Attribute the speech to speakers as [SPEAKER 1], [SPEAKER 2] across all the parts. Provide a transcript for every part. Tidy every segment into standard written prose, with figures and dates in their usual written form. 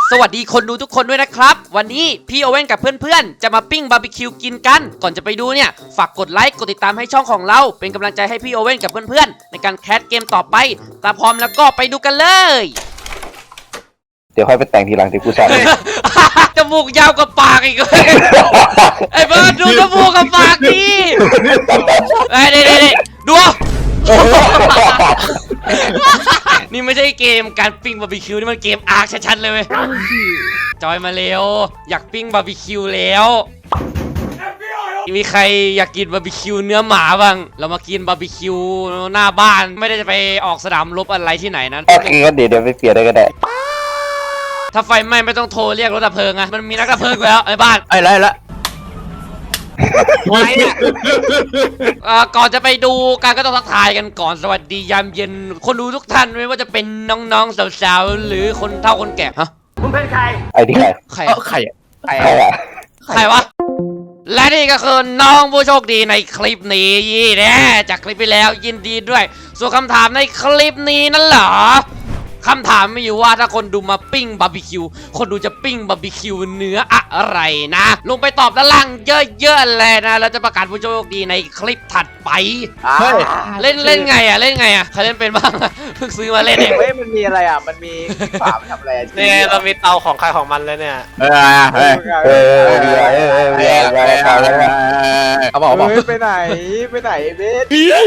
[SPEAKER 1] สวัสดีคนดูทุกคนด้วยนะครับวันนี้พี่โอเว่นกับเพื่อนๆจะมาปิ้งบาร์บีคิวกินกันก่อนจะไปดูเนี่ยฝากกดไลค์กดติดตามให้ช่องของเราเป็นกำลังใจให้พี่โอเว่นกับเพื่อนๆในการแคสเกมต่อไปตาพร้อมแล้วก็ไปดูกันเลย
[SPEAKER 2] เดี๋ยวค่อยไปแต่งทีหลังที่กูสอน
[SPEAKER 1] จมูกยาวกว่าปากอีกเลยไอ้เบิร์ดดูจมูกกับปากดิไอ้เด็ดดูนี่ไม่ใช่เกมการปิ้งบาร์บีคิวนี่มันเกมอาร์คชัดๆเลยเว้ยจอยมาเร็วอยากปิ้งบาร์บีคิวแล้วมีใครอยากกินบาร์บีคิวเนื้อหมาบ้างเรามากินบาร์บีคิวหน้าบ้านไม่ได้จะไปออกสนามรบอะไรที่ไหนนะ
[SPEAKER 2] โอเคก็เดี๋ยวไปเปลี่ยนได้ก็ได้
[SPEAKER 1] ถ้าไฟไหม้ไม่ต้องโทรเรียกรถดับเพลิงอะมันมีนักดับเพลิงแล้วไอ้บ้าน
[SPEAKER 3] ไอ้ไรละ
[SPEAKER 1] ก่อนจะไปดูการก็ต้องทักทายกันก่อนสวัสดียามเย็นคนดูทุกท่านไม่ว่าจะเป็นน้องๆสาวๆหรือคนเฒ่าคนแก่ฮะ
[SPEAKER 4] คุณเป็นใคร
[SPEAKER 2] ไอ้ที่ใคร
[SPEAKER 1] ใคร
[SPEAKER 3] ใคร
[SPEAKER 1] ใครวะและนี่ก็คือน้องผู้โชคดีในคลิปนี้นะจากคลิปไปแล้วยินดีด้วยส่วนคำถามในคลิปนี้นั่นเหรอคำถามมีอยู่ว่าถ้าคนดูมาปิ้งบาร์บีคิวคนดูจะปิ้งบาร์บีคิวเนื้ออะไรนะลงไปตอบด้านล่างเยอะๆเลยนะแล้วจะประกาศผู้โชคดีในคลิปถัดไปเล่นไงอ่ะใครเล่นเป็นบ้างเพิ่งซื้อมาเล่นเอง
[SPEAKER 4] เฮ้ยมันมีอะไรอ่ะมันมีฝาทำอะไร
[SPEAKER 5] เนี่ยเรามีเตาของใครของมันเลยเนี่ย
[SPEAKER 3] เขาบอก
[SPEAKER 4] ไปไหนเบส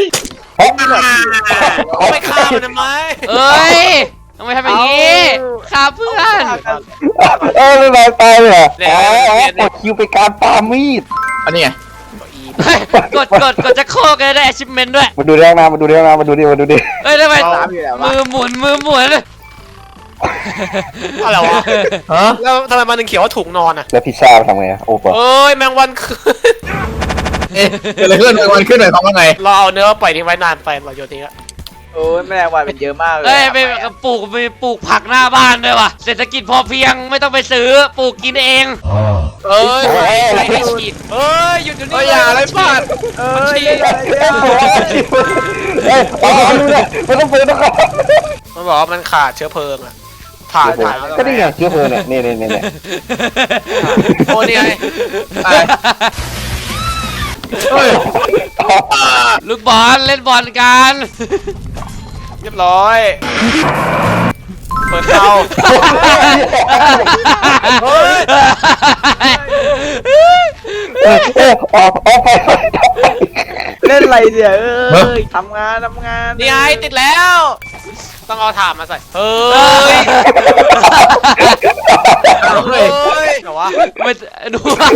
[SPEAKER 5] ไม่ฆ่ามันทำไม
[SPEAKER 1] เอ้ยทำไมทำอย่างนี้ฆ่าเพื่อน
[SPEAKER 2] ไม่มาตายเหรอปลดคิวไปการปามีด
[SPEAKER 3] อันนี้ไง
[SPEAKER 1] กดจะโคกได้ achievement ด้วย
[SPEAKER 2] มาดูเรื่องนะมาดูดิ
[SPEAKER 1] เฮ้ยทำไมมือหมุน
[SPEAKER 5] อะไรวะแล้วทำไมมันถึงเขียวว่าถุงนอนอ่ะ
[SPEAKER 2] แล้วพิซซ่าทำไงโอ้ปะ
[SPEAKER 5] เอ้ยแมงวันขึ้น
[SPEAKER 3] อะไรขึ้นแมงวันขึ้นหน่อยเขาว่าไง
[SPEAKER 5] เราเอาเนื้อปล่อยทิ้งไว้นานไปเราโยนทิ้งอะ
[SPEAKER 4] โอ้ยแมลงวันเป็นเยอะมากเลย
[SPEAKER 1] ไปปลูกผักหน้าบ้านด้วยว่ะเศรษฐกิจพอเพียงไม่ต้องไปซื้อปลูกกินเอง
[SPEAKER 5] ไม่ฉีดหยุดนี่
[SPEAKER 3] อย่าอะไรบ้าน
[SPEAKER 2] ไม่ต้องเปิดนะครับ
[SPEAKER 5] มันบอกว่ามันขาดเชื้อเพลิงอะผ่าน
[SPEAKER 2] ก็นี่ไงเชื้อเพลิงเนี่ยนี่
[SPEAKER 5] โอ้นี่ไง
[SPEAKER 1] ลูกบอลเล่นบอลกัน
[SPEAKER 5] เรียบร้อยเปิดเตา
[SPEAKER 2] ออกไป
[SPEAKER 4] เล่นอะไรเนี่ยทำงาน
[SPEAKER 5] นี่ไงติดแล้วต้องเอาถ่านมาใส่เฮ้ยเหรอวะ
[SPEAKER 1] ไม่ดู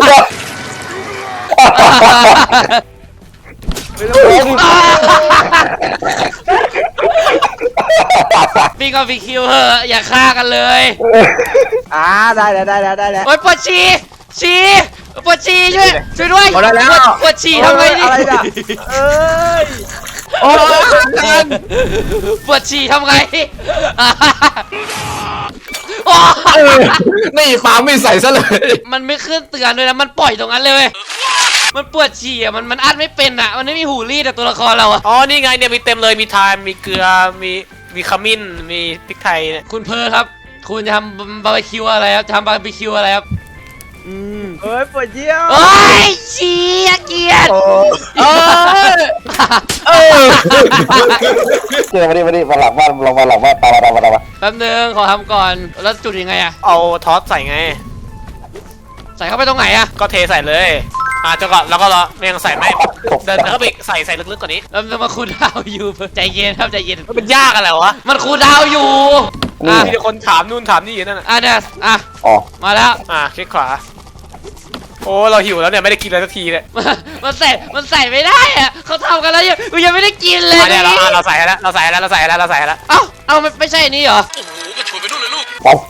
[SPEAKER 1] ปิ้งกับพี่คิวเหอะอย่าฆ่ากันเลย
[SPEAKER 4] ได้
[SPEAKER 1] โอ๊ยปวดฉี่ช่วยด้วยปวดฉี่ทำไงดิปวดฉี่ทำไง
[SPEAKER 3] นี่ฟ้าไม่ใส่ซะเลย
[SPEAKER 1] มันไม่ขึ้นเตือนเลยนะมันปล่อยตรงนั้นเลยมันปวดฉี่อ่ะมันอัดไม่เป็นอ่ะมันไม่มีหูรีดแต่ตัวละครเราอ่ะ
[SPEAKER 5] อ๋อนี่ไงเนี่ยมีเต็มเลยมีไทม์มีเกลือมีขมิ้นมีพริกไทยเนี่ย
[SPEAKER 1] คุณเพอครับคุณจะทำบาร์บีคิวอะไรครับทำบาร์บีคิวอะไรครับ
[SPEAKER 4] ปวดเยี่ยว
[SPEAKER 1] ฉี่เกียด
[SPEAKER 2] เจอมาดิมาหลังบ้านลงมาหลังบ้านตามมา
[SPEAKER 1] แป๊บนึงขอทำก่อนแล้วจุดยังไงอะ
[SPEAKER 5] เอาทอสใส่ไง
[SPEAKER 1] ใส่เข้าไปตรงไหนอะ
[SPEAKER 5] ก็เทใส่เลยจังก่อนแล้วก็รอไม่ยังใส่ไม่เดินเข้าไปใส่ลึกๆกว่านี้
[SPEAKER 1] แล้วมาคูดาวอยู่ใจเย็นครับใจเย็น
[SPEAKER 5] มันยากอะไรวะ
[SPEAKER 1] มันคูดาวอยู่
[SPEAKER 5] มีคนถามนู่นถามนี่อยู่นั่น
[SPEAKER 1] เนี่ยมาแล้ว
[SPEAKER 5] คลิกขวาโอ้เราหิวแล้วเนี่ยไม่ได้กินเลยสักทีเนี่ย
[SPEAKER 1] มันใส่ไม่ได้อะเขาทำกันแล้วยังไม่ได้กินเลย
[SPEAKER 5] เนี่ยเราใส่แล้ว
[SPEAKER 1] เอาไม่ใช่นี่เหรอ
[SPEAKER 5] โอ้โหกระโดดไปนู่นเลยลูก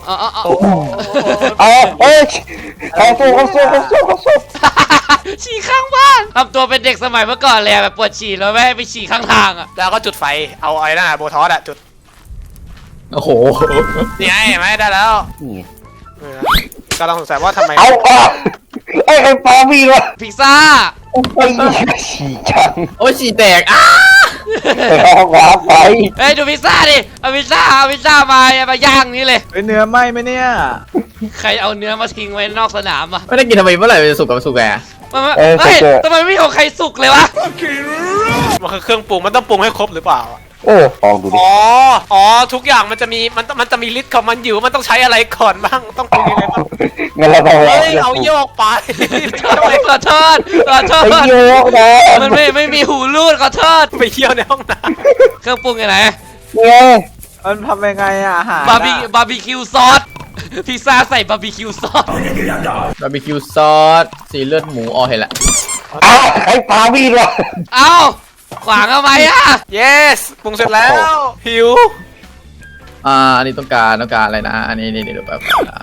[SPEAKER 2] เขาสู้
[SPEAKER 1] ฉี่ข้างบ้านทำตัวเป็นเด็กสมัยเมื่อก่อนเลยแบบปวดฉี่แล้วไม่ให้ไปฉี่ข้างทางอ่ะ
[SPEAKER 5] แล้วก็จุดไฟเอาไอ้นั่นโบทอสจุด
[SPEAKER 3] โอ้โห
[SPEAKER 5] นี่ไงไม่ได้แล้วก็ต้องสงสัยว่าทำไม
[SPEAKER 2] ไอ้ปามีวะ
[SPEAKER 1] พิซซ่า
[SPEAKER 2] ไอ้ฉี่จัง
[SPEAKER 3] ฉี่แตก
[SPEAKER 2] ไปเข้าห้องน้ำไป
[SPEAKER 1] ดูพิซซ่าดิเอาพิซซ่ามาย่างนี้เลย
[SPEAKER 4] เนื้อไหมไหมเนี่ย
[SPEAKER 1] ใครเอาเนื้อมาทิ้งไว้นอกสนามอ่ะ
[SPEAKER 3] ไม่ได้กินทำไมเมื่อไหร่มันจะสุกกับสุกแก
[SPEAKER 1] เฮ้ยทำไมไม่ของใครสุกเลยวะ
[SPEAKER 5] มันคือเครื่องปรุงมันต้องปรุงให้ครบหรือเปล่า
[SPEAKER 2] ลองดูดิ
[SPEAKER 5] อ๋อทุกอย่างมันจะมีฤทธิ์ของมันอยู่มันต้องใช้อะไรก่อนบ้างต้องปรุงยังไงบ้าง
[SPEAKER 2] งั้นเราต้อง
[SPEAKER 5] เฮ้ยเอาโยกไป
[SPEAKER 1] ขอโทษ
[SPEAKER 2] ไปโยกนะ
[SPEAKER 1] มันไม่มีหูรูดขอโทษ
[SPEAKER 5] ไปเที่ยวในห้องน้
[SPEAKER 1] เครื่องปรุงอยู่ไหน
[SPEAKER 2] เนี่ย
[SPEAKER 4] มันทำยังไงอะอาหาร
[SPEAKER 1] บาร์บีคิวซอสพิซซ่าใส่บาร์บีคิวซอส
[SPEAKER 3] บาร์บีคิวซอสสีเลือดหมูอ๋อเห็นละ
[SPEAKER 2] อ้าวไอ้ปลาวิ่งวะ
[SPEAKER 1] เอ้าขวางทำไมอ่ะ
[SPEAKER 5] ำ yes ปรุงเสร็จแล้วหิว
[SPEAKER 3] อันนี้ต้องการอะไรนะอันนี้เดี๋ยวแบบ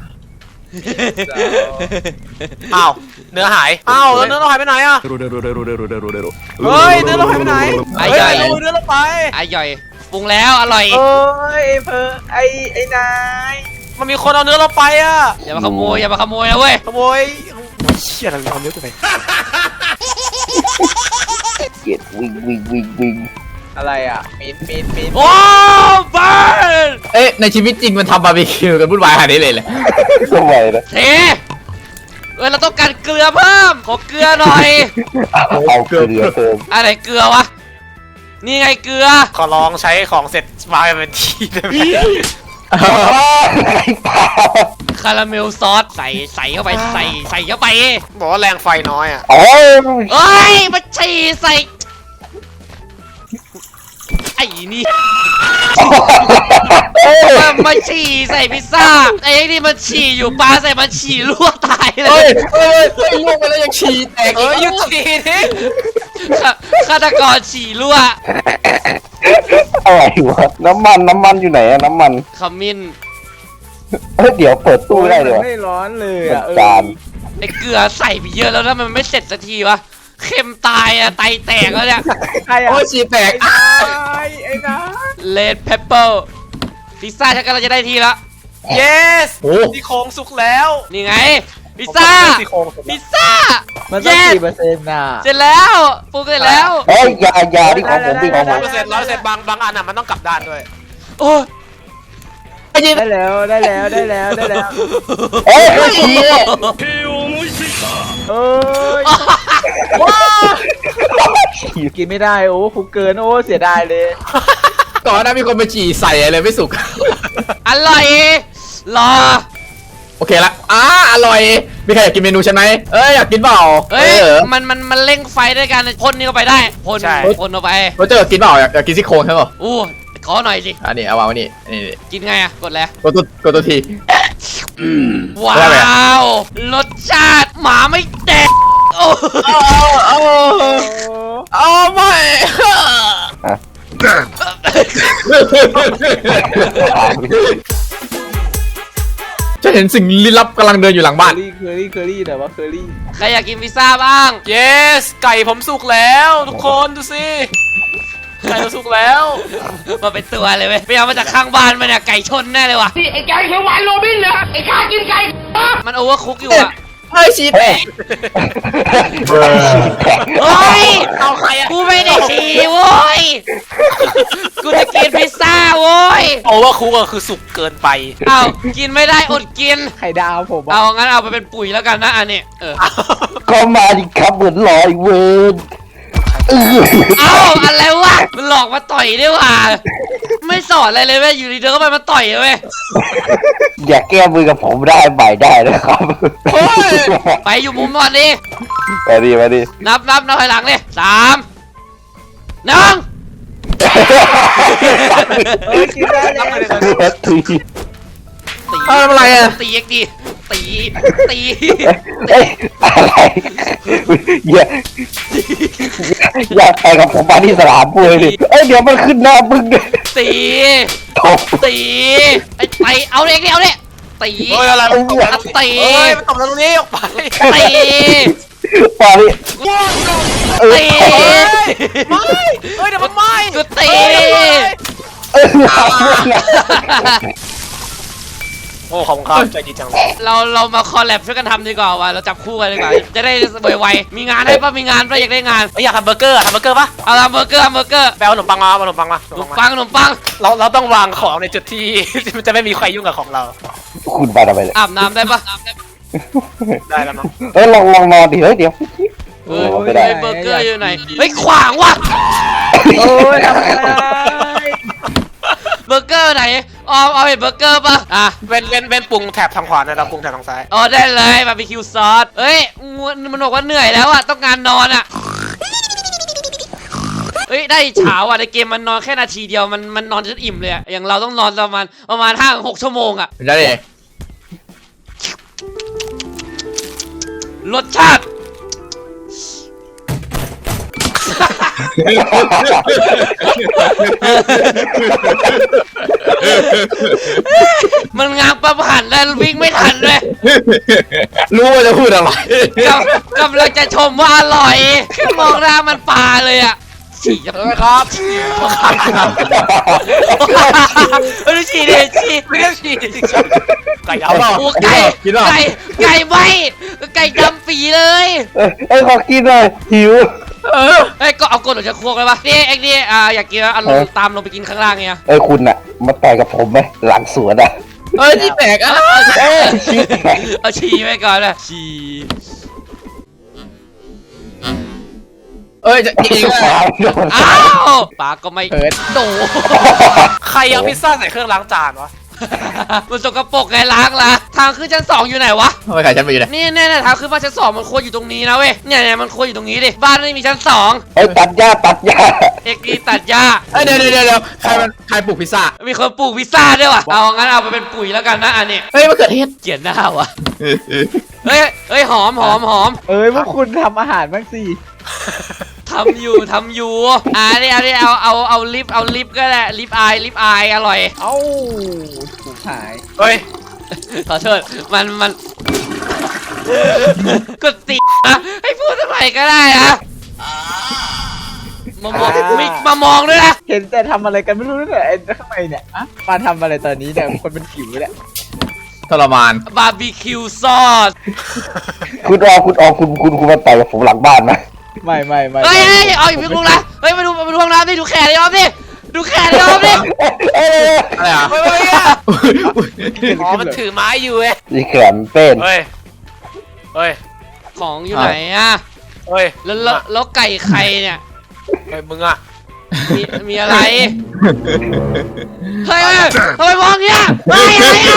[SPEAKER 5] อ้าวเนื้อหายอ้าวแล้วเนื้อเราหายไปไหนอ่ะเฮ้ยเนื้อเราหายไปไหนเฮ้ยเอาเนื้อเราไป
[SPEAKER 1] ไอ้ย่อยปรุงแล้วอร่อย
[SPEAKER 4] โอ้ยไอ้นาย
[SPEAKER 5] มันมีคนเอาเนื้อเราไปอ่ะ
[SPEAKER 1] อย่ามาขโมยนะเว้ย
[SPEAKER 5] ขโมยเชี่ยอะไรเอาเนื้อกูไป
[SPEAKER 2] เกลียดวิ่ง
[SPEAKER 4] อะไรอะมีน
[SPEAKER 1] โอ้บ้าน
[SPEAKER 3] เอ๊ะในชีวิตจริงมันทำบาร์บีคิวกันวุ่นวายขนาดนี้เลย
[SPEAKER 2] ทำไมนะ
[SPEAKER 1] เทเราต้องการเกลือเพิ่มขอเกลือหน่อย
[SPEAKER 2] เอาเกลือเติม
[SPEAKER 1] อะไรเกลือวะนี่ไงเกลือ
[SPEAKER 5] ขอลองใช้ของเสร็จวางเป็นที่ได้ไหม
[SPEAKER 2] ไอ้ปลา
[SPEAKER 1] คาราเมลซอสใส่เข้าไปใส่เข้าไป
[SPEAKER 5] บอกว่าแรงไฟน้อยอ่ะ
[SPEAKER 2] โอ้ย
[SPEAKER 1] เอ้ยมาฉี่ใส่ไอ้นี่มาฉี่ใส่พิซซ่าไอ้นี่มันฉี่อยู่ปลาใส่มันฉี่ลวกตายเล
[SPEAKER 3] เฮ้
[SPEAKER 1] ย
[SPEAKER 3] ยลงไปแล้วยังฉี่แตก
[SPEAKER 5] เอ้ยหยุดทีนิ
[SPEAKER 1] ฆาตกรฉี่ลวก
[SPEAKER 2] อะไรวะน้ำมันอยู่ไหนอะน้ำมัน
[SPEAKER 1] ขมิ้น
[SPEAKER 2] เดี๋ยวเปิดตู้ได้เลยวะ
[SPEAKER 4] ไม่ร้อนเลยอะ
[SPEAKER 2] จาน
[SPEAKER 1] ไอ้เกลือใส่ไปเยอะแล้วนะมันไม่เสร็จสักทีวะเค็มตายอะไตแตกแล้วเนี่ย
[SPEAKER 4] ใครอะ
[SPEAKER 3] โอ้ยฉี่แตก
[SPEAKER 4] ไอ้นาย
[SPEAKER 1] เลดเพปเปอร์พิซซ่าฉันกำลังจะได้ทีละ
[SPEAKER 5] yes
[SPEAKER 3] โอ้
[SPEAKER 5] ที่โครงสุกแล้ว
[SPEAKER 1] นี่ไงพิซซ่า
[SPEAKER 5] ที่โครงสุก
[SPEAKER 1] พิซซ่า
[SPEAKER 4] มันต้อง
[SPEAKER 1] Yes
[SPEAKER 4] กี่เปอร์เซ็นต์น่ะ
[SPEAKER 1] เสร็จแล้วปรุงเสร็จแล้ว
[SPEAKER 2] เฮ้ยยาที่ของผมที่ของผม
[SPEAKER 5] 100%บางอันอ่ะมันต้องกลับด้านด้วย
[SPEAKER 1] โอ้ย
[SPEAKER 4] ได้แล้ว
[SPEAKER 2] เฮ้ยฉี่
[SPEAKER 4] เอ้ยกินไม่ได้โอ้คุกเกินโอ้เสียดายเลย
[SPEAKER 3] ก่อนหน้ามีคนไปฉี่ใส่อะไรไม่สุก
[SPEAKER 1] อร่อยรอ
[SPEAKER 3] โอเคละอร่อยมีใครอยากกินเมนูฉันไหมเอ้ยอยากกินเปล่า
[SPEAKER 1] เฮ้ยมันเร่งไฟด้วยกันพ่นนี่เข้าไปได้พ่นเข้าไป
[SPEAKER 3] โรเจอร์กินเปล่าอยากกินซี่โครงใช่เปล่า
[SPEAKER 1] อู้ขอหน่อยสิ
[SPEAKER 3] อันนี้เอาวางไว้นี่นี่
[SPEAKER 1] กินไงอะกดแล้ว
[SPEAKER 3] กดตัวที
[SPEAKER 1] ว้
[SPEAKER 3] ได้ไหม
[SPEAKER 1] าวรสชาติหมาไม่แดกโอ้
[SPEAKER 3] เอาไม่ ฉันเห็นสิ่งลี้ลับกำลังเดินอยู่หลังบ้าน
[SPEAKER 4] เคอรี่แต่ว่าเคอรี่
[SPEAKER 1] ใครอยากกินพิซซ่าบ้าง
[SPEAKER 5] yes ไก่ผมสุกแล้วทุกคนดูสิไก่เราสุกแล้ว
[SPEAKER 1] มาเป็นตัวเลยเว้ยไปเอามาจากข้างบ้านมาเนี่ยไก่ชนแน่เลยว่ะ
[SPEAKER 6] ไอ้ไก่เขียวหวานโรบินเหรอไอ้ข้ากินไก่
[SPEAKER 1] มันโอเวอร์คุกอยู่อะ
[SPEAKER 3] เฮ้ยฉี่แตก
[SPEAKER 1] เฮ้ย
[SPEAKER 5] เอาใครอ่ะ
[SPEAKER 1] กูไม่ได้ฉี่โว้ยกูจะกินพิซซ่าโว้ย
[SPEAKER 5] โอเวอร์คุกก็คือสุกเกินไป
[SPEAKER 1] เอากินไม่ได้อดกิน
[SPEAKER 4] ไข่ดาวผม
[SPEAKER 1] เอางั้นเอาไปเป็นปุ๋ยแล้วกันนะอันนี้
[SPEAKER 2] ก็มาดิครับเหมือนลอยเวิร์น
[SPEAKER 1] เอาอะไรวะมันหลอกมาต่อยด้วยว่ะไม่สอนอะไรเลยเว้ยอยู่ดีเดินเข้าไปมาต่อยเลยเว้ย
[SPEAKER 2] อย่าแก้มือกับผมได้ใหม่ได้นะครับ
[SPEAKER 1] ไปอยู่มุมก่อนดิ
[SPEAKER 2] มาดิ
[SPEAKER 1] นับถอยหลังเลย3 1
[SPEAKER 4] เอ้ยกินได้แล้ว
[SPEAKER 2] ที
[SPEAKER 3] ทำอะไรอ่ะ
[SPEAKER 1] ตีเอ็กดีตี
[SPEAKER 2] เอ้ยอะไรอย่าไปกับผมมาที่สนามมวยดิเดี๋ยวมันขึ้นหน้ามึง
[SPEAKER 1] ตี
[SPEAKER 2] ตบ
[SPEAKER 1] ตีไอ้ไปเอาเด็กดิเอาเด็กตี
[SPEAKER 5] เฮ้ยอะไรมันตบแล้ว
[SPEAKER 1] ตี
[SPEAKER 5] เฮ้ยมันตบแล้วตรงนี้ออกไป
[SPEAKER 1] ตี
[SPEAKER 2] มาดิ
[SPEAKER 1] ตี
[SPEAKER 5] ไม่เฮ้ยเดี๋ยวมันไหม้
[SPEAKER 1] กูตี
[SPEAKER 5] โอ้ขอบคุณครับใจดีจังเลย
[SPEAKER 1] เรามาคอลแลบช่วยกันทำดีกว่าว่ะเราจับคู่กันดีกว่าจะได้ไวๆมีงานให้ป่ะมีงานป่ะอยากได้งาน
[SPEAKER 5] อยากทำเบอร์เกอร์ทำเบอร์เกอร์ปะ
[SPEAKER 1] เอาเบอร์เกอร์
[SPEAKER 5] แปลขนมปังมาขนมปังมา
[SPEAKER 1] ขนมปัง
[SPEAKER 5] เราต้องวางของในจุดที่ มันจะไม่มีใครยุ่งกับของเรา
[SPEAKER 2] คคุณมาทำไมเนี่ย
[SPEAKER 1] อาบน้ำได้ปะ
[SPEAKER 5] ได้แล้วมั้ง
[SPEAKER 2] ลองนอนดิเฮ้ยเดี๋ยว
[SPEAKER 1] เฮ้ย
[SPEAKER 2] ไม่ได้
[SPEAKER 1] เบอร์เกอร์อยู่ไหนเฮ้ยขวางว่ะ
[SPEAKER 4] โอ้ยทำอะไร
[SPEAKER 1] เบอร์เกอร์ไหนเอาเห็นเบอร์เกอร์ปะอ่ะ
[SPEAKER 5] เป็นปรุงแถบทางขวานะเราปรุงแถบทางซ้าย
[SPEAKER 1] อ๋อได้เลยบาร์บีคิวซอสเอ้ยมันบอกว่าเหนื่อยแล้วอ่ะต้องการนอนอ่ะเฮ้ยได้เช้าอ่ะในเกมมันนอนแค่นาทีเดียวมันนอนจนอิ่มเลยอ่ะอย่างเราต้องนอนประมาณ5-6 ชั่วโมงอ่ะ
[SPEAKER 3] ได้เลย
[SPEAKER 1] รสชาติ มันงางประผ่านแล้ววิ่งไม่ทันเลย
[SPEAKER 3] รู้ว่าจะพูดอะไร
[SPEAKER 1] กำลังจะชมว่าอร่อยแค่มองหน้ามันปลาเลยอ่ะฉี่จะไปครับเออฉี่ดิฉี่
[SPEAKER 5] ไม่ได้ฉีดไก่เอา
[SPEAKER 1] โอ้ไก่ไม่ไก่ดำปีเลย
[SPEAKER 2] ขอกินหน่อยหิว
[SPEAKER 1] เอ้ยก็เอากดออกจากครัวเลยปะนี่เอ็กนี่อยากกินเอาลงตามลงไปกินข้างล่างเนี่ย
[SPEAKER 2] คุณอะมาต่อยกับผมไหมหลังสวนอะ
[SPEAKER 3] เอ้ยที่แตกอ่ะ
[SPEAKER 1] เอาฉี่ไปก่อนนะฉี่
[SPEAKER 3] เอ้ยจะยิง
[SPEAKER 1] อ้าวปากก็ไม่โด
[SPEAKER 5] ใครเอาพิซซ่าใส่เครื่องล้างจานวะ
[SPEAKER 1] มันสกปรกไงล้างละทางขึ้นชั้น 2อยู่ไหนวะ
[SPEAKER 3] ทำไมขายฉันไปอยู่เนี่ย
[SPEAKER 1] นี่ทางขึ้นบ้านชั้น 2มันควรอยู่ตรงนี้นะเว้ยเนี่ยมันควรอยู่ตรงนี้ดิบ้านไม่มีชั้น
[SPEAKER 2] ตัดหญ้า
[SPEAKER 1] 2เอ็กนี่ตัดหญ้า
[SPEAKER 3] เอ้ยเดี๋ยวใครปลูกพิซซ่า
[SPEAKER 1] มีคนปลูกพิซซ่าด้วยวะเอางั้นเอาไปเป็นปุ๋ยแล้วกันนะอันนี้
[SPEAKER 3] เฮ้ยมะเขือเทศ
[SPEAKER 1] เกลียดหน้าวะเฮ้ยหอม
[SPEAKER 4] เอ้ยพวกคุณทำอาหารบ้างสิ
[SPEAKER 1] ทำอยู่นี่เอาลิฟก็ได้ลิฟอายอร่อย
[SPEAKER 4] เอ้าถูกหาย
[SPEAKER 5] เฮ้ย
[SPEAKER 1] ขอโทษมันกดตินะให้พูดทำไมก็ได้นะมามองด้วยนะ
[SPEAKER 4] เห็นแต่ทำอะไรกันไม่รู้เนี่ยไอ้ข้างในเนี่ยอะมาทำอะไรตอนนี้เนี่ยคนเป็นผิวเนี่ย
[SPEAKER 3] ทรมาน
[SPEAKER 1] บาร์บีคิวซอส
[SPEAKER 2] คุณมาต่อยกับผมหลังบ้านนะ
[SPEAKER 4] ไม่
[SPEAKER 1] เฮ้ยเอาอีกพี่ลุงนะเฮ้ยมาดูห้องน้ำดิดูแขนดิออมดิดูแขนดิออมดิ
[SPEAKER 3] อะไรอ่ะ
[SPEAKER 5] เฮ้ยอ๋อมันถือไม้อยู่เว้ย
[SPEAKER 2] นี่แขนเป็น
[SPEAKER 5] เฮ้ย
[SPEAKER 1] ของอยู่ไหนอ่ะ
[SPEAKER 5] เฮ้ย
[SPEAKER 1] แล้วไก่ใครเนี่ย
[SPEAKER 5] เฮ้ยมึงอะ
[SPEAKER 1] มีอะไรเฮ้ยทำไมมองเงี้ยอะไรอ่ะ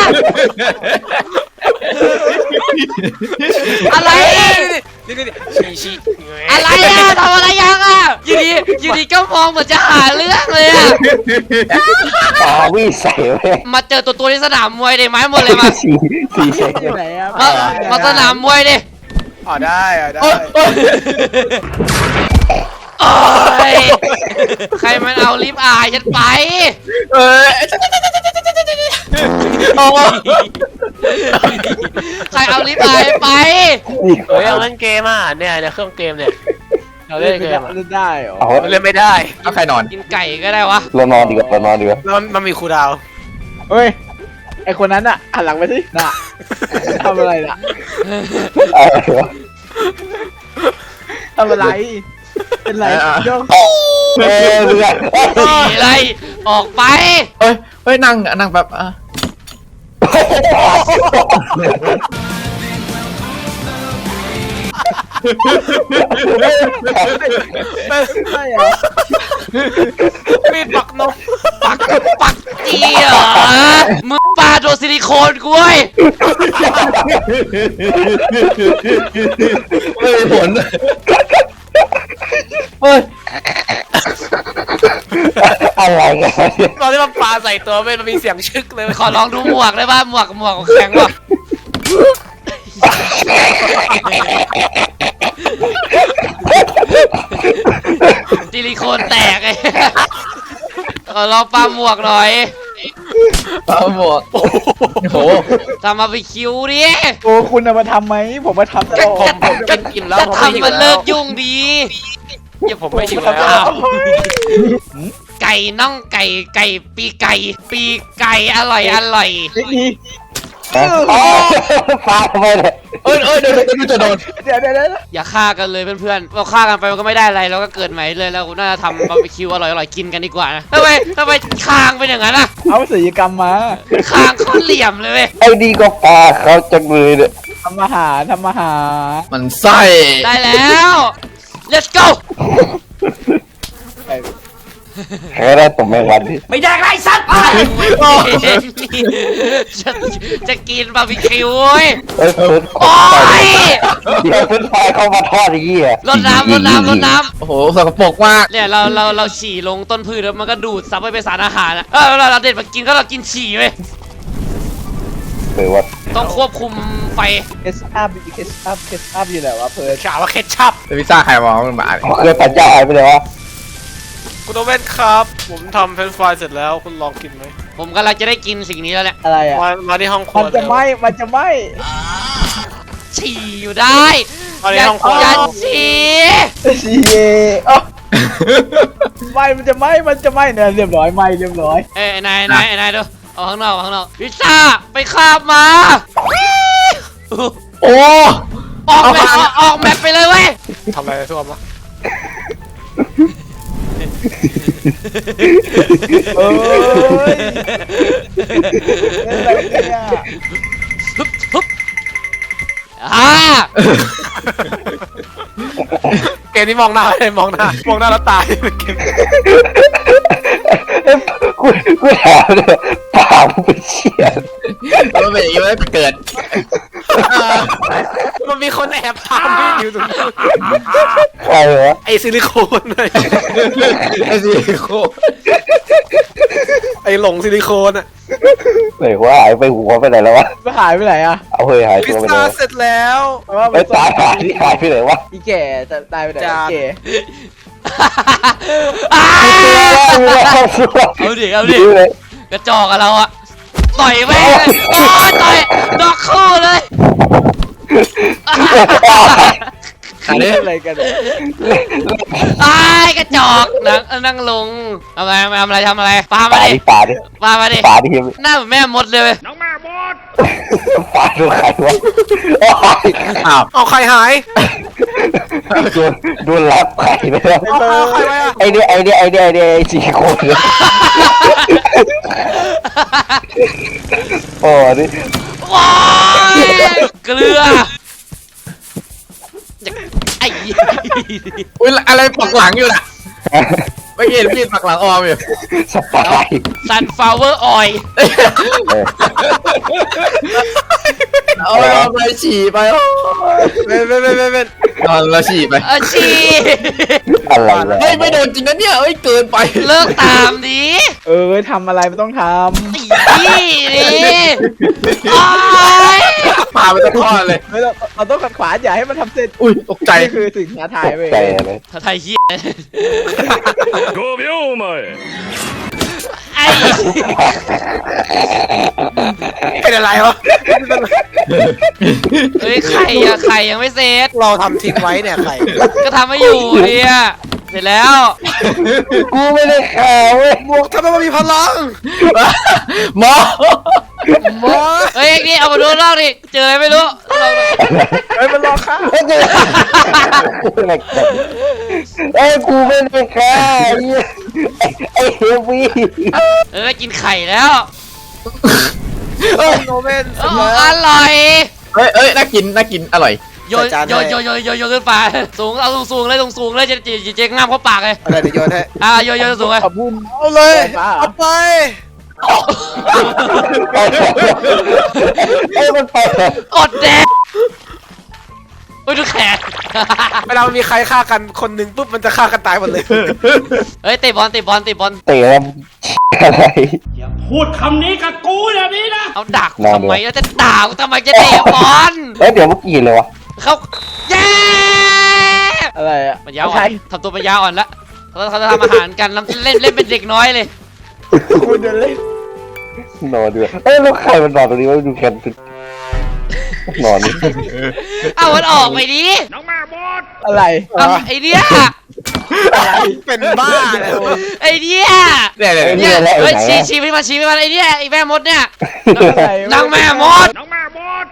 [SPEAKER 1] อะไร
[SPEAKER 5] นี่ชี้
[SPEAKER 1] อะไรอ่ะทำอะไรยังอ่ะอยู่ดีก็มองเหมือนจะหาเรื่องเลยอ่ะ
[SPEAKER 2] วิ่งใส่เว้ย
[SPEAKER 1] มาเจอตัวที่สนามมวยดิไม้หมดเลยมา
[SPEAKER 2] สีใส่
[SPEAKER 4] อยู่ไหนอะ
[SPEAKER 1] มาสนามมวยดิ
[SPEAKER 5] อ๋อได้ได้
[SPEAKER 1] โอ้ยใครมันเอาลิฟต์อายฉันไป
[SPEAKER 3] เอ้ย
[SPEAKER 1] ใครเอาลิฟต์อายไป
[SPEAKER 5] เฮ้ยเอาเล่นเกมอ่ะเนี่ยเครื่องเกมเนี่ยเราเล่นเกม
[SPEAKER 4] เล่นได้เหรอ
[SPEAKER 5] เล่นไม่ได้
[SPEAKER 3] เอาใครนอน
[SPEAKER 1] กินไก่ก็ได้วะ
[SPEAKER 2] เรานอนดีกว่า
[SPEAKER 5] แล้วมันมีคูลดาวน์
[SPEAKER 4] เฮ้ยไอคนนั้นอะหันหลังไปสิน่ะทำอะไรน่ะทำอะไรเป็นไรโยก
[SPEAKER 2] เรือ
[SPEAKER 1] หนีไรออกไป
[SPEAKER 3] เฮ้ยนั่งแบบอ่ะ
[SPEAKER 4] ใช่เหรอ
[SPEAKER 5] มีปักนก
[SPEAKER 1] ปักเจียมึงปาโดนซิลิโคนกูเว้ย
[SPEAKER 3] ไม่มีผลเฮ้ย
[SPEAKER 2] อะไรกัน
[SPEAKER 5] ตอนที่มันปาใส่ตัวมันมีเสียงชึกเลย
[SPEAKER 1] ขอลองดูหมวกได้ป่ะหมวกแข็งว่ะซิลิโคนแตกไอ้ลองปาหมวกหน่อย
[SPEAKER 3] เอาหมวกโอ้โห
[SPEAKER 1] ทำมาไปคิวดิ
[SPEAKER 4] โอ้คุณเอามาทำไหมผมมาทำตลอด
[SPEAKER 5] ก็กินแล้ว
[SPEAKER 1] จะ
[SPEAKER 5] ผมไม่หิ
[SPEAKER 1] ทำ
[SPEAKER 5] ว
[SPEAKER 1] มัน
[SPEAKER 5] แล้
[SPEAKER 1] เลิ
[SPEAKER 5] ว
[SPEAKER 1] กยุ่งดี
[SPEAKER 5] ผมไม่หิวแล้ว
[SPEAKER 1] ไก่น่องไก่ปีไก่อร่อย
[SPEAKER 4] เทคนิค
[SPEAKER 2] ปาทำไมเนี่ย
[SPEAKER 3] เอ้ยเดี๋ยวจะโดน
[SPEAKER 4] เดี๋ยว
[SPEAKER 1] อย่าฆ่ากันเลยเพื่อนๆเราฆ่ากันไปมันก็ไม่ได้อะไรเราก็เกิดใหม่เลยแล้วน่าจะทำบาร์บีคิวอร่อยๆกินกันดีกว่านะทำไมคางเป็นอย่างนั้นอะ
[SPEAKER 4] เอาศิลปกรรมมา
[SPEAKER 1] คางโคตรเหลี่ยมเลยเว้ย
[SPEAKER 2] ไอ้นี่ก็ปาเขาจังเลยเนี่ย
[SPEAKER 4] ทำอาหาร
[SPEAKER 3] มันไส้
[SPEAKER 1] ได้แล้ว let's go
[SPEAKER 2] แค่ได้ตัวแมงวันดิ
[SPEAKER 1] ไม่ได้ไรสัตว์จะกินบาร์บีคิวเว้ย
[SPEAKER 2] เอ้ยเพิ่น
[SPEAKER 1] โอ้ย
[SPEAKER 2] เดี๋ยวเพิ่นไฟเข้ามาทอดอย่างงี้อ่ะ
[SPEAKER 1] รดน้ำ
[SPEAKER 3] โอ้โหสกปรกมาก
[SPEAKER 1] เนี่ยเราฉี่ลงต้นพืชแล้วมันก็ดูดซับไปเป็นสารอาหารอะเราเด็ดมากินก็เรากินฉี่เว้ย
[SPEAKER 2] หรือว่า
[SPEAKER 1] ต้องควบคุมไฟ
[SPEAKER 4] เคสอัพอยู่ไหนวะเพิร์ด
[SPEAKER 5] ข่าวว่าเคชัพ
[SPEAKER 3] พิซซ่าใครมองมันมา
[SPEAKER 2] เคยปัญญาหายไปเลยวะ
[SPEAKER 5] คุณโอเว่นครับ ผมทำเฟรนช์ฟรายเสร็จแล้วคุณลองกินไหม
[SPEAKER 1] ผมกำลังจะได้กินสิ่งนี้แล้วแหละ
[SPEAKER 4] อะไรอ่ะ
[SPEAKER 5] มาที่ห้องครั
[SPEAKER 4] มั
[SPEAKER 5] วน
[SPEAKER 4] จะไหม
[SPEAKER 1] ฉี่อยู่ได้
[SPEAKER 5] มาที่ห้องครัว
[SPEAKER 1] อย่าฉี่
[SPEAKER 4] ชีเไหมมันจะไหมเนี่ยเรียบร้อยเรียบร้อย
[SPEAKER 1] เอ้ยนายดูเอาข้างนอกพิซซ่าไปคาบมา
[SPEAKER 3] โอ้
[SPEAKER 1] ออกแมปไปเลยเว้ย
[SPEAKER 5] ทำอะไรทั่วมา
[SPEAKER 4] เอ้ยอะไรเนี่ย
[SPEAKER 1] ฮึบ
[SPEAKER 5] เกมนี้มองหน้าเลยมองหน้าแล้วตายเกม
[SPEAKER 2] กูถามเลยปากมึงเป็นเชี่ย
[SPEAKER 3] มันเป็นอย่างนี้ไม่เกิด
[SPEAKER 5] มันมีคนแอบทำพี่อยู่ตรงนู้น
[SPEAKER 2] ใครวะ
[SPEAKER 5] ไอซิลิโคนเลย
[SPEAKER 3] ไอ้สิโค
[SPEAKER 5] ไอหลงซิลิโคนอะ
[SPEAKER 2] ไหนว่าหายไปหัวไปไหนแล้ววะ
[SPEAKER 4] มันหายไปไหนอ่ะ
[SPEAKER 2] เอาเฮ้ยหาย
[SPEAKER 5] พิซ
[SPEAKER 2] ตัวไป
[SPEAKER 5] ซ่า
[SPEAKER 2] เลย
[SPEAKER 5] เสร็จแล้ว
[SPEAKER 2] ไอ้ตายหายที่หายไปไหนวะ
[SPEAKER 4] อีแก่จะตายไปไหนอีแก่
[SPEAKER 1] เอาดิกระจอกกับเราอะต่อยแม่งเลยโอ้ยต่อยดอกคู่เลย
[SPEAKER 3] อันนี้
[SPEAKER 4] อะไรกันเนี่ย
[SPEAKER 1] ไอ้กระจอกนั่งลงทำอะไรปามาดิ
[SPEAKER 2] ป่าดิ
[SPEAKER 1] ปามาดิ
[SPEAKER 2] ป่าดิ
[SPEAKER 1] หน้าเหมือนแม่มดเลยเว้ย
[SPEAKER 2] ป่าดูใครวะ
[SPEAKER 3] อ้าว
[SPEAKER 5] เอาใครหาย
[SPEAKER 2] โดนรับใครไปแล้ว
[SPEAKER 5] เอาใครไว้อะ
[SPEAKER 2] ไอเดียไอ้สี่คนเลยโอ้นี่
[SPEAKER 1] ว้ายเกลือไอ้
[SPEAKER 3] อุ้ยอะไรปักหลังอยู่น่ะไม่เห็นมีดปักหลังออมอยู่
[SPEAKER 2] สปาย
[SPEAKER 1] ซันฟลาวเวอร์ออย
[SPEAKER 3] เอาไปฉี่ไป
[SPEAKER 5] เป็น
[SPEAKER 3] นอนแล้วฉี่ไป
[SPEAKER 1] ชี
[SPEAKER 2] อะไรวะ
[SPEAKER 3] เฮ้ยไม่โดนจริงนะเนี่ยเอ้ยเกินไป
[SPEAKER 1] เลิกตามดิ
[SPEAKER 4] ทำอะไรไม่ต้องท
[SPEAKER 1] นี่โอ้ย
[SPEAKER 3] พาไปตะทอดเลย
[SPEAKER 4] ำเราต้องขัดขวางอย่าให้มันทำเสร็จ
[SPEAKER 3] อุ้ยตกใจ
[SPEAKER 4] นี่คือสิ่งท้าทายเว้ย
[SPEAKER 2] ใจอะไร
[SPEAKER 1] ถ้าไทยเฮียไอ้
[SPEAKER 5] เป็นอะไรวะ
[SPEAKER 1] เฮ้ยไข่ยังไม่เสร็จ
[SPEAKER 5] เราทำทิ้งไว้เนี่ยใคร
[SPEAKER 1] ก็ทำไม่อยู่เนี่ยเสร็จแล้ว
[SPEAKER 2] กูไม่ได้ข่าวเว้ย
[SPEAKER 5] บวกทำไมมันมีพลัง
[SPEAKER 3] หมอ
[SPEAKER 1] เฮ้ยนี่เอามาดูรอบดิเจออะไรไม่รู้
[SPEAKER 4] เฮ้ยมันรอข้า
[SPEAKER 2] ไอ้กูไม่ได้ข่าวไอ้เฮฟวี่
[SPEAKER 1] กินไข่แล้ว
[SPEAKER 5] โนเว่น
[SPEAKER 1] อร่อย
[SPEAKER 3] เฮ้ยน่ากินอร่อย
[SPEAKER 1] โยนขึ้นไปสูงเอาสูงเลยจะง่ามเข้าปากเลย
[SPEAKER 5] อะไรเดี๋ยวโยนให้
[SPEAKER 1] โยนสูงเลย
[SPEAKER 4] ขบุญ
[SPEAKER 5] เอาเลยเอาไป
[SPEAKER 2] ไอ้มันไป
[SPEAKER 1] กดแดงอุ้ยดูแขน
[SPEAKER 5] เวลามันมีใครฆ่ากันคนหนึ่งปุ๊บมันจะฆ่ากันตายหมดเลย
[SPEAKER 1] เฮ้ยเตะบอล
[SPEAKER 2] เตะแล้วอะไร
[SPEAKER 6] พูดคำนี้กับกูแบบนี้นะ
[SPEAKER 1] เอาดักทำไมแล้วจะด่าทำไมจะเตะบอล
[SPEAKER 2] เอ้ยเดี๋ยวเมื่อกี้เลยวะ
[SPEAKER 1] เขาเย้
[SPEAKER 4] อะไรอ่ะ
[SPEAKER 1] ปัญญาอ่อนทำตัวปัญญาอ่อนละเขาจะทำอาหารกันเล่นเป็นเด็กน้อยเลย
[SPEAKER 4] คุณเดินเล่น
[SPEAKER 2] นอนด้วยเอ้ยแล้วใครมันนอนตรงนี้วะดูแคนนอนนี่
[SPEAKER 1] เอามันออกไปดิ
[SPEAKER 6] น้องแม่บอส
[SPEAKER 4] อะไร
[SPEAKER 1] ไอเนี้ย
[SPEAKER 5] เป็นบ้าเลย
[SPEAKER 1] ไอ้เนี่ย
[SPEAKER 3] เนี่ยเนี่ย
[SPEAKER 1] เนี่ย
[SPEAKER 2] แหละ
[SPEAKER 1] เฮ้ย
[SPEAKER 2] ไหน
[SPEAKER 1] ชี้ไปมันชี้ไปมันไอ้เนี่ยไอ้แม่มดเนี่ย
[SPEAKER 4] อะไร
[SPEAKER 1] นางแม่มด
[SPEAKER 6] น้องแม่บอส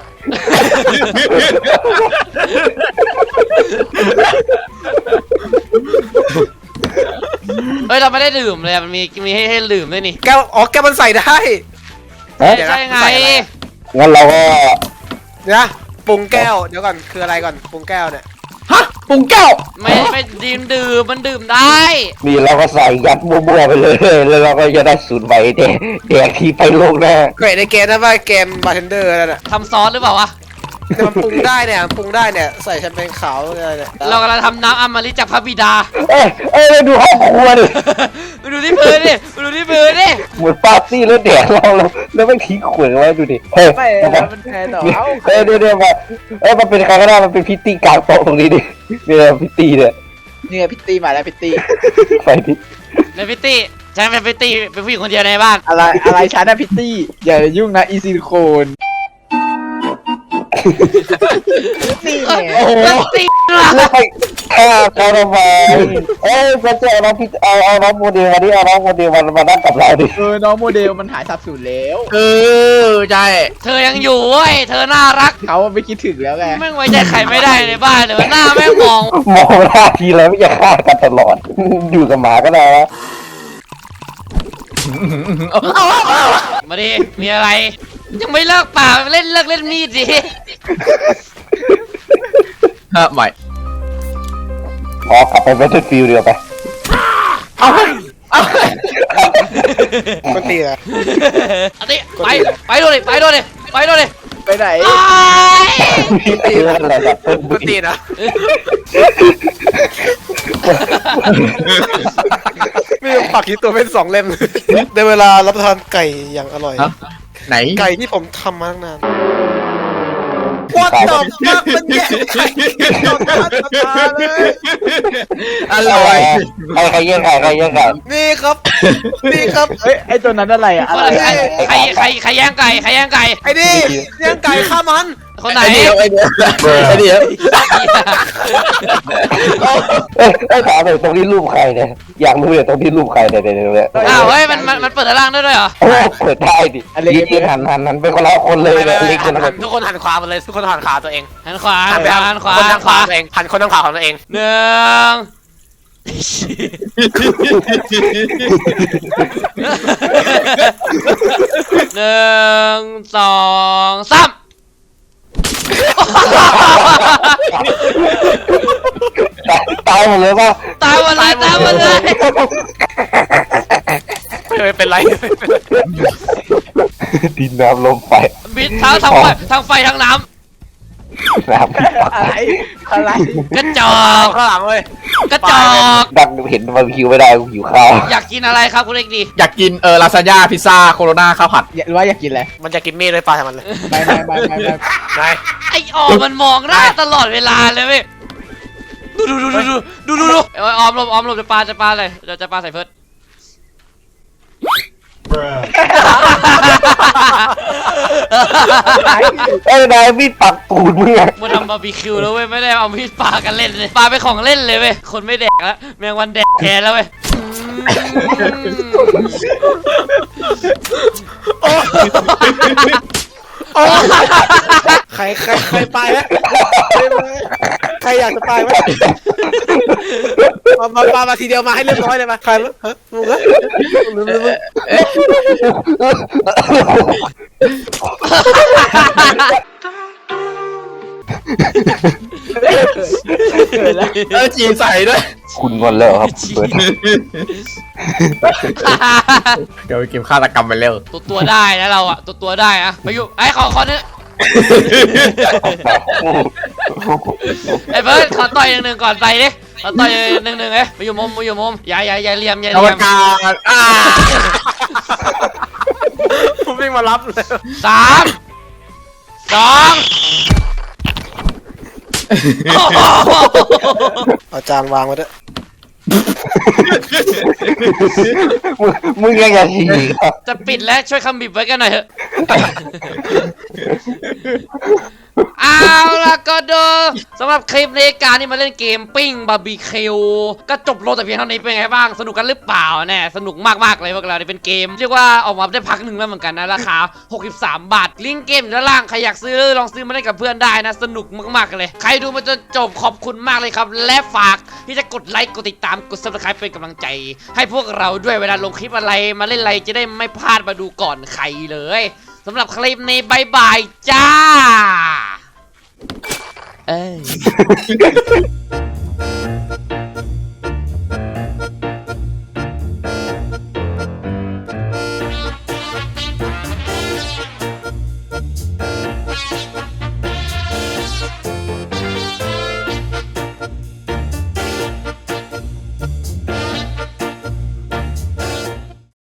[SPEAKER 1] เฮ้ยเราไม่ได้ดื่มเลยอะมันมีให้ดื่มด้วยนี่
[SPEAKER 5] แก้วอ๋อแก้วมันใส่ได้
[SPEAKER 2] ฮะ
[SPEAKER 5] เดี๋ยวนะ
[SPEAKER 1] ใช่ไง
[SPEAKER 5] ใส่อะไร
[SPEAKER 2] งั้นเราก็
[SPEAKER 5] นะปรุงแก้วเดี๋ยวก่อนคืออะไรก่อนปรุงแก้วเนี่ย
[SPEAKER 3] ฮะปรุงแก้ว
[SPEAKER 1] ไม่ดื่มมันดื่มได้
[SPEAKER 2] นี่เราก็ใส่ยัดมั่วๆไปเลยแล้วเราก็จะได้สูตรใหม่แดกที่ไปโลกหน้า
[SPEAKER 5] เกรดในเกมนะว่าเกมบาร์เทนเดอร์นั่นแหละ
[SPEAKER 1] ทำซอสหรือเปล่าวะ
[SPEAKER 5] แต่มันปรุงได้เนี่ยมันปรุงได้เนี่ยใส่แชมเปญขาวอะไรเนี่ย
[SPEAKER 1] เรากำลังทำน้ำอมฤตจากพระบิดา
[SPEAKER 2] ไปดูห้องครัวดิ
[SPEAKER 1] ไปดูที่พื้นดิไปดูที่พื้นดิ
[SPEAKER 2] เหมือนปาร์ตี้แล้วแดกเราแล้วไม่ทิ้งขวดไว้ดูดิเฮ้ย
[SPEAKER 4] ไม่แล้วมันแทนเหรอเอ้า
[SPEAKER 2] เดี๋ยวมามันเป็นใครก็ได้มันเป็นพิตตี้กลางโต๊ะตรงนี้ดิเนี่ยพิตตี้เนี่ย
[SPEAKER 4] นี่ไงพิตตี้มาแล้วพิตตี้
[SPEAKER 2] ไฟดิ
[SPEAKER 1] ในพิตตี้ฉันเป็นพิตตี้เป็นผู้หญิงคนเดียวในบ้าน
[SPEAKER 4] อะไรฉันนะพิตตี้อย่ายุ่งนะอีซิลิโคนพิตตี้เนี่ย
[SPEAKER 1] พิตตี้ว่ะ
[SPEAKER 2] แล้วไปฆ่าเขาทำไมมันจะเอาน้องพิตเอาน้องโมเดลมาดิเอาน้องโมเดลมานั่งกับเราดิ
[SPEAKER 4] น้องโมเดลมันหายสับสูญแล้ว
[SPEAKER 3] ใช่
[SPEAKER 1] เธอยังอยู่เว้ยเธอน่ารัก
[SPEAKER 4] เขาไม่คิดถึงแล้วไง
[SPEAKER 1] แม่งไว้ใจใครไม่ได้ในบ้านเลยหน้าแม่งมอง
[SPEAKER 2] มองหน้าทีแล้วไม่จะฆ่ากันตลอดอยู่กับหมาก็ได้นะ
[SPEAKER 1] มาดิมีอะไร ยังไม่เลิกป่าเลิกเล่นมีดดิ
[SPEAKER 3] ฮะใหม่
[SPEAKER 2] พอกลับไป Battlefield เดียวไป
[SPEAKER 5] มันตีนะ
[SPEAKER 1] อันนี้ไปดูดิไปดูดิไปดูดิ
[SPEAKER 4] ไปไหน
[SPEAKER 1] อ้าย
[SPEAKER 2] อะไรแบบ
[SPEAKER 5] มันตีนะมีผักที่ตัวเป็น2 เล่มได้เวลารับประทานไก่อย่างอร่อย
[SPEAKER 3] ฮะไหน
[SPEAKER 5] ไก่ที่ผมทำมาตั้งนาน What the fuck มันแย่ไก่ต่อหน้าต่อตาเลย
[SPEAKER 3] อร่อย
[SPEAKER 2] ใครแย่งไก่
[SPEAKER 5] นี่ครับ นี่ครับ
[SPEAKER 4] เฮ้ยไอตัวนั้นอะไรอะอะไร
[SPEAKER 1] ใครแย่งไก่ใครแย่งไก่
[SPEAKER 5] ไอ้นี่เลี้ยงไก่ฆ่ามัน
[SPEAKER 1] คนไหน
[SPEAKER 3] ไอเดียว
[SPEAKER 2] ถามเลยตรงนี้รูปใครเนี่ยอยากรู้เลยตรงที่รูปใครเนี่ย
[SPEAKER 1] อ้าวเฮ้ยมันเปิดด้านล่างได้ด้วยเหรอ
[SPEAKER 2] โอ้เปิดได้ดิยืนหันเป็นคนละคนเลยเลยลิงคนละคน
[SPEAKER 5] ทุกคนหันขวาหมดเลยทุกคนหันขาตัวเอง
[SPEAKER 1] หันขวา
[SPEAKER 5] หันไป
[SPEAKER 1] หันขวา
[SPEAKER 5] คน
[SPEAKER 1] หั
[SPEAKER 5] ทาน ง
[SPEAKER 1] ข
[SPEAKER 5] ขวาว
[SPEAKER 1] า
[SPEAKER 5] ตัวเองหันคนทางขวาของตัวเอง
[SPEAKER 1] หนึ่งหนึ่งสองสาม
[SPEAKER 2] ตายหมดเลยป่ะ
[SPEAKER 1] ตายหมดเลยตายหมดเลย
[SPEAKER 5] ไม่เป็นไร
[SPEAKER 2] ดินน้ำลมไฟ
[SPEAKER 1] บิดเท้าทางไฟทางน้
[SPEAKER 2] น้ำ
[SPEAKER 4] อะไร
[SPEAKER 1] ำกระจอก
[SPEAKER 5] ข้างหลังเลย
[SPEAKER 1] กระจอก
[SPEAKER 2] ดังเห็นบาร์บีคิวไม่ได้หิวข้าว
[SPEAKER 1] อยากกินอะไรครับคุณเล็กดี
[SPEAKER 3] อยากกินลาซานญ่าพิซซ่าโคโรนาข้าวผัด
[SPEAKER 4] หรือว่าอยากกินอะไร
[SPEAKER 5] มันจะกินมีดเลยปลาทำมันเลย
[SPEAKER 4] ไม่
[SPEAKER 5] ไง
[SPEAKER 1] ไอ้ออมมันมองหน้าตลอดเวลาเลยเว้ยดูไอ้ออมหลบจะปาเลยจะปาใส่เพิร์ด
[SPEAKER 2] นายมีดปักตูดมึงอะ
[SPEAKER 1] มาทำบาร์บีคิวแล้วเว้ยไม่ได้เอามีดปากันเล่นเลยปาไปของเล่นเลยเว้ยคนไม่แดกแล้วแมงวันแดกแทนแล้วเว้ย
[SPEAKER 5] ใครไปไหมใครอยากจะไปไหมมาทีเดียวมาให้เรียบร้อยเลยมาใครมั้งฮะมึงเหรอ
[SPEAKER 4] เกิดแล้ว
[SPEAKER 3] จีนใส่ด้วย
[SPEAKER 2] คุณงอนแล้วครับเปิด
[SPEAKER 3] เดี๋ยวไปเกมฆาตกรรมไปเร็ว
[SPEAKER 1] ตัวได้นะเราอะตัวได้อะไปอยู่ไอ้ขอเนื้อไอ้เบิร์ดขอต่อยหนึ่งก่อนไปดิขอต่อยหนึ่งเอ้ยไปอยู่มุมอย่าเลียม
[SPEAKER 3] อวกาศ
[SPEAKER 5] ผมวิ่งมารับเลย
[SPEAKER 1] 3 2
[SPEAKER 5] เอาจานวางไว้ด้วย
[SPEAKER 2] มึงยังอยากฉี่
[SPEAKER 1] จะปิดแล้วช่วยคำบีบไว้กันหน่อยเถอะเอาล่ะก็ดูสำหรับคลิปในการที่มาเล่นเกมปิ้งบาร์บีคิวก็จบลงแต่เพียงเท่านี้เป็นไงบ้างสนุกกันหรือเปล่าแน่สนุกมากๆเลยพวกเราเป็นเกมเรียกว่าออกมาได้พักหนึ่งแล้วเหมือนกันนะราคา63 บาทลิงก์เกมอยู่ด้านล่างใครอยากซื้อลองซื้อมาเล่นกับเพื่อนได้นะสนุกมากๆเลยใครดูมาจนจบขอบคุณมากเลยครับและฝากที่จะกดไลค์กดติดตามกด Subscribe เป็นกำลังใจ ให้พวกเราด้วยเวลาลงคลิปอะไรมาเล่นอะไรจะได้ไม่พลาดมาดูก่อนใครเลยสำหรับคลิปนี้บายบายจ้า เอ้ย